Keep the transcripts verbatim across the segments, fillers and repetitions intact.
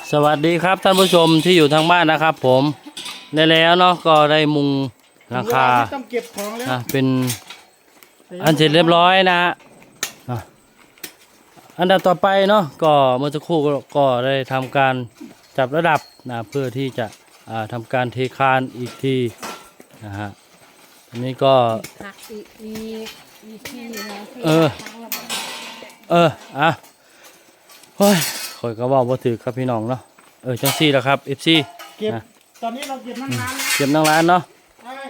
สวัสดีครับท่านผู้ชมที่อยู่ทางบ้านนะครับผมได้แล้วเนาะก็ได้มุงหลังคาต้องเก็บของแล้วอ่ะเป็นอันเสร็จเรียบร้อยนะฮะอ่ะอันดับต่อไปเนาะก็เมื่อสักครู่ก็ก็ได้ทำการจับระดับนะเพื่อที่จะอ่าทำการเทคานอีกทีนะฮะอันนี้ก็หักอีกมีมีที่นะที่เออทั้งระบบเอออ่ะโอ้ยคอยก็เว่าบ่ถือครับพี่น้องเนาะเออจังซี่แหละครับ เอฟ ซีเก็บนะตอนนี้เราเก็บนั่งร้านนะเก็บนั่งร้านเนาะใช่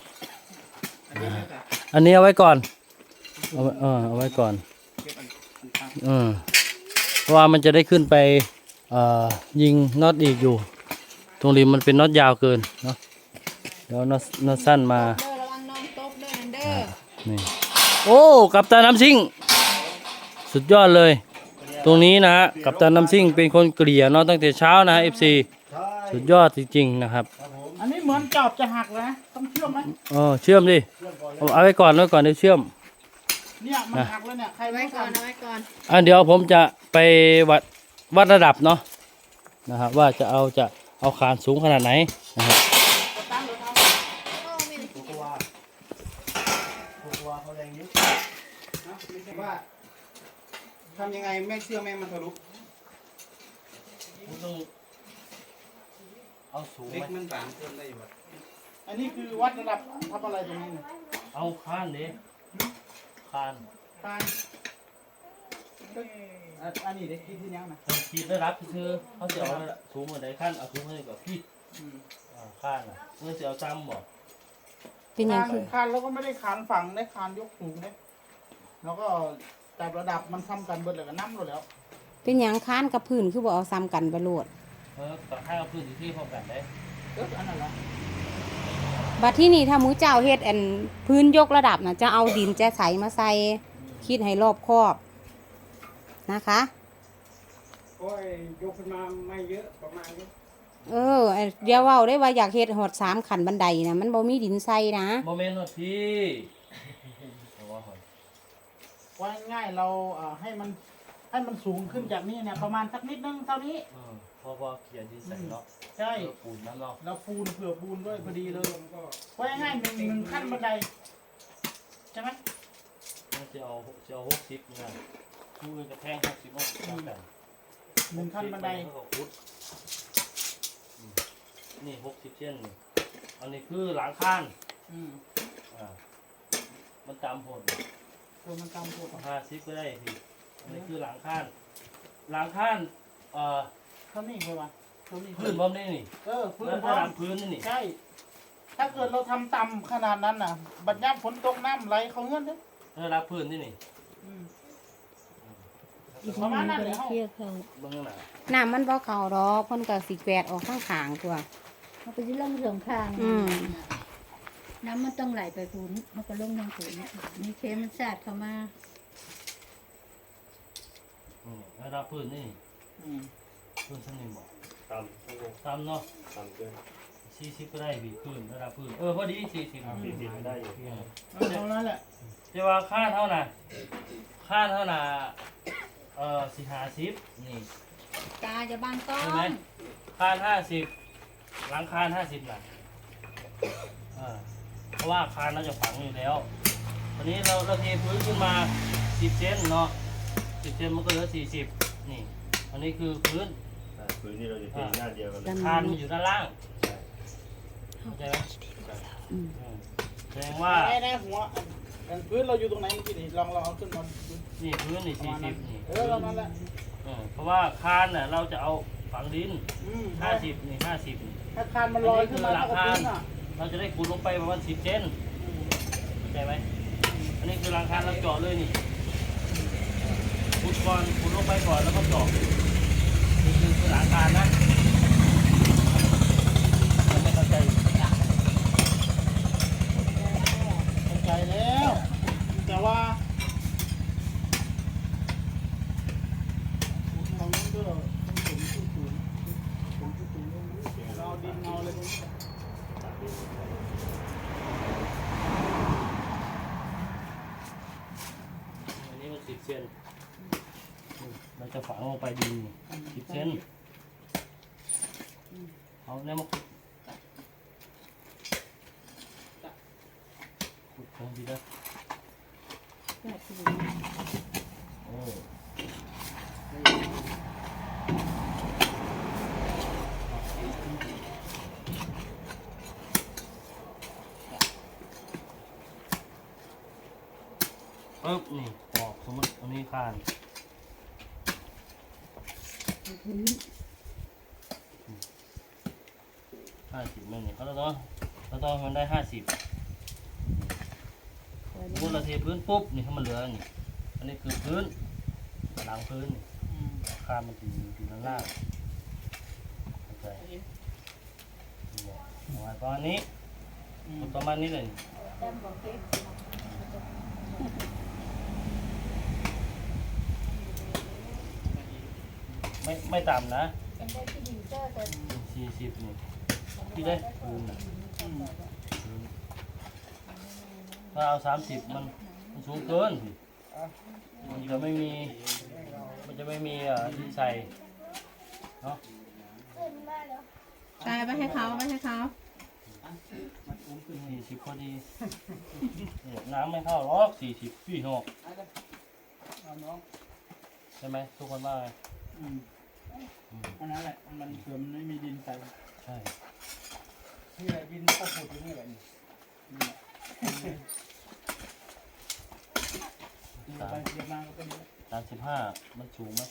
อันนี้เอาไว้ก่อนเอาไว้เออเอาไว้ก่อนอืมเพราะว่ามันจะได้ขึ้นไปเอ่อยิงน็อตอีกอยู่ ตรงริมมันเป็นน็อตยาวเกินเนาะเดี๋ยวน็อตน็อตสั้นมาเด้อระวังน้องตบเด้อนั่นเด้อนี่โอ้กัปตันน้ำซิ่งสุดยอดเลย ตรงนี้นะฮะกัปตันน้ำซิ่งเป็นคนเกลี่ยเนาะตั้งแต่เช้านะฮะ เอฟ ซี สุดยอดจริงๆนะครับอันนี้เหมือนจอบจะหักนะต้องเชื่อมไหมอ๋อเชื่อมดิเอาเอาไว้ก่อนไว้ก่อนเดี๋ยวเชื่อมเนี่ยมันหักแล้วเนี่ยใครเอาไว้ไว้ก่ก่ออน นเอาไว้ก่อนอ่ะเดี๋ยวผมจะไปวัดวัดระดับเนาะนะครับว่าจะเอาจะเอาคานสูงขนาดไหนนะครับตั้งหรือทโอ้ไม่ได้ำตัวตัวเขาแรงเยอะนะไม่ใช่ว่าทำยังไงไม่เชื่อแม่มันทะลุต้องเอาสูงเล็กไหมมันบางเพิ่มได้อยู่ครับอันนี้คือวัดระดับทำอะไรตรงนี้เนี่ยเอาคานดิคานตายก็อ่ะอันนี้เด็กคิดที่ยังนะขีดระดับคือเขาจะเอาสูงกว่าไหนขั้นเอาสูงกว่าไหนกว่าพี่อืมอ่าคานอ่ะเมื่อจะเอาซ้ำบ่เป็นหยังคานคือคานแล้วก็ไม่ได้คานฝั่งได้คานยกสูงเนี่ยแล้วก็จับระดับมันทำกันเบิดเลยก็น้ำหมดแล้วเป็นหยังค้านกับพื้นคือบ่เอาซ้ำกันไปโลดเออต่อให้เอาพื้นที่ที่พร้อมกันได้เอออันนั้นเหรอบัดที่นี่ถ้าหมูเจ้าเฮ็ดอันพื้นยกระดับน่ะจะเอาดินแจะใสมาใส่คิดให้รอบคอบนะคะโอ้ยยกขึ้นมาไม่เยอะประมาณนี้เออเดี๋ยวเว้าได้ว่าอยากเฮ็ดหอดสามขันบันไดนะมันบ่มีดินใส่นะโมเมนต์หน่อยพี่เอาว่าหอยว่าง่ายๆเราเอ่อให้มันให้มันสูงขึ้นจากนี้เนี่ยประมาณสักนิดนึงเท่านี้อืมพอพอเขียนดินใส่เนาะใช่เออปูนน้ำเนาะเราปูนเผื่อปูนด้วยพอดีเลยว่าง่ายๆหนึ่งหนึ่งขั้นบันไดใช่ไหมมันจะเอาจะเอาหกสิบเนี่ยคู่อื่นกระแทงหกสิบหกสิบกันหนึ่งขั้นบันไดแล้วก็พุดอืมนี่หกสิบเช่นนี่อันนี้คือหลังคานอืมอ่ามันตามผลตัวมันตามตัวห้าสิบก็ได้พี่อันนี้คือหลังคานหลังคานเอ่อเท่านี้เลยวะเท่านี้พื้นพร้อมนี่นี่เออพื้นแล้วพร้อระดัมบพื้นนี่นี่ใช่ ถ้าเกิดเราทำต่ำขนาดนั้นน่ะ บัดย่ำฝนตกน้ำไหลเขาเงื่อนเด้อระดับพื้นนี่นี่อืมประมาณนั้นเลยเฮาเบื้องหน้าน้ำมันบ่เข้าดอกเพิ่นก็สิแกวดออกข้างขางตัวมันก็จะลงสองข้างอืมน้ำมันต้องไหลไปพื้นมันก็ลงทางพื้นมีเคมันสาดเข้ามาอืมระดับพื้นนี่อืมพื้นชั้นหนึ่งบ่ต่ำต่ำเนาะต่ำเกินสี่สิบก็ได้พี่พื้นระดับพื้นเออพอดีสี่สิบสี่สิบได้อยู่เอาเท่านั้นแหละแต่ว่าค่าเท่าน่ะค่าเท่าน่ะเอ่อสี่ห้าสิบนี่ตาจะบางก้อใช่ไหมนคานห้าสิบหลังคานห้าสิบน่ะอ่าเพราะว่าคานเราจะฝังอยู่แล้ววันนี้เราเราเทพื้นขึ้นมาสิบเซนเนาะสิบเซนมันก็เหลือสี่สิบนี่อันนี้คือพื้นพื้นนี่เราจะเทหน้าเดียวกันเลยคานมันอยู่ด้านล่างเข้าใจไหมอืมอืมแสดงว่าแน่ๆหัวอันอันพื้นเราอยู่ตรงไหนเมื่อกี้นี่ลองลองเอาขึ้นมาดูนี่พื้นนี่ประสี่มาณสินั้บนนี่เออประมาณนั้นแหละเออเพราะว่าคานน่ะเราจะเอาฝังดินอืมห้าสิบนี่ห้าสิบถ้าคานมันลอยขึ้นมาเท่ากับพื้นอ่ะเราจะได้ขุดลงไปประมาณสิบเซนเข้าใจไหมอันนี้คือหลังคาเราเจาะเลยนี่ขุดก่อนขุดลงไปก่อนแล้วก็เจาะนี่คือคือหลังคานะยังไม่เข้าใจเข้าใจแล้ว แต่ว่าตรงนี้ก็ต้องสูงสูงสูงสูงสูงเราเอาดินเอาอะไรตรงนี้อันนี้มันสิบเซนเราจะฝังลงไปดินสิบเซนเอาเนี่ยมาขุดขุดตรงนี้ได้แบบที่โอ้ปึ๊บนี่ปอกสมมติอันนี้คานพื้นห้าสิบไม่เนี่ยเขาต้องเราต้องให้มันได้ห้าสิบสมมติเราเทพื้นปุ๊บนี่ถ้ามันเหลือนี่อันนี้คือพื้นหลังพื้นนี่อืมคานมันถึงถึงด้านล่างเข้าใจประมาณประมาณนี้อืมประมาณนี้เลยแต้มบอกเค้กไม่ไม่ต่ำนะเป็นได้ที่ดินเจอแต่สี่สิบนี่ที่ได้พื้นน่ะอืมพื้นถ้าเอาสามสิบมันมันสูงเกินสิมันจะไม่มีมันจะไม่มีอ่ะที่ใส่เนาะใช่ไปให้เขาไปให้เขามันอุ้มขึ้นสี่สิบพอดีเนี่ยน้ำไม่เข้าหรอกสี่สิบพี่หกเอาน้องใช่ไหมทุกคนว่าไงอืมอันนั้นแหละมันเผื่อมันไม่มีดินใส่ใช่นี่แหละดินก็ขุดอยู่นี่แหละนี่นี่แหละเดี๋ยวไปเดี๋ยวมาก็เป็นอย่างนี้สามสิบห้ามันสูงไหม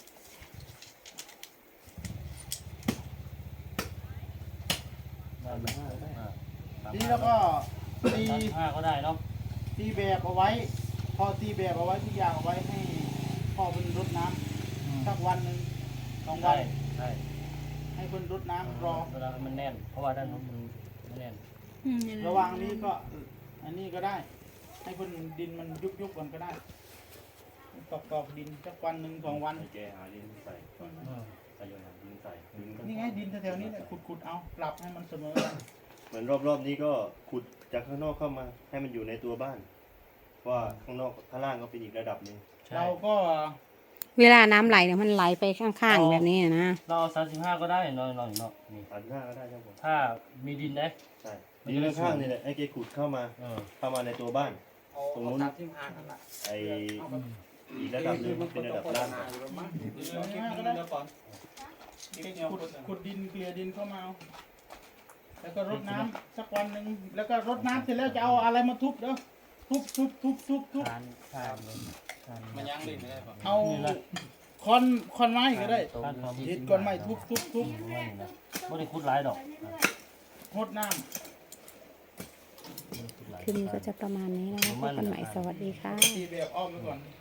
ได้ไหมอ่าสามทีสินี้บแล้วก็ตีห้าก็ได้เนาะตีแบบเอาไว้ พอตีแบบเอาไว้ทุกอย่างเอาไว้ให้พ่อเป็นรดน้ำสักวันหนึ่งสองวัใช่นใช่ให้คนรดน้ำรอเวลามันแน่น เพราะว่าด้านนู้นมันไม่แน่นระหว่างนี้ก็อันนี้ก็ได้ ให้คนดินมันยุบยุบๆกันก็ได้ตอกตอกๆดินสักวันหนึ่งสองวันให้แกหาดินใส่ใส่โยนหาดินใส่ดินก็นี่ไงดินแถวๆนี้แหละขุดๆเอาปรับให้มันเสมอกันเหมือนรอบๆนี้ก็ขุดจากข้างนอกเข้ามา ให้มันอยู่ในตัวบ้านเพราะว่าข้างนอกข้างล่างก็เป็นอีกระดับหนึงใช่เราก็เวลาน้ำไหลเนี่ยมันไหลไปข้างๆแบบนี้นะเราสามสิบห้าก็ได้นอนนอนเนาะนี่สามสิบห้าก็ได้ครับผมถ้ามีดินนะใช่ดินข้างๆนี่แหละให้แกขุดเข้ามาเออเข้ามาในตัวบ้านเอาตรงนู้นตัดที่ผ่านนั่นแหละไออีกระดับหนึงเป็นระดับล่างก็ได้ก่อนขุดขุดดินเกลี่ยดินเข้ามาเอาแล้วก็รดน้ำสักวันหนึ่งแล้วก็รดน้ำเสร็จแล้วจะเอาอะไรมาทุบเด้อทุบทุบทุบทุบทุบทานทานทานมันยังลิ้นได้ป่ะเอาคอนคอนไม้ก็ได้ทานความยึดก้อนไม้ทุบทุบทุบประมาณนี้นะไม่ได้คุดหลายดอกรดน้ำคลิปนี้ก็จะประมาณนี้นะคะพบกันใหม่สวัสดีค่ะตีแบบอ้อมไปก่อน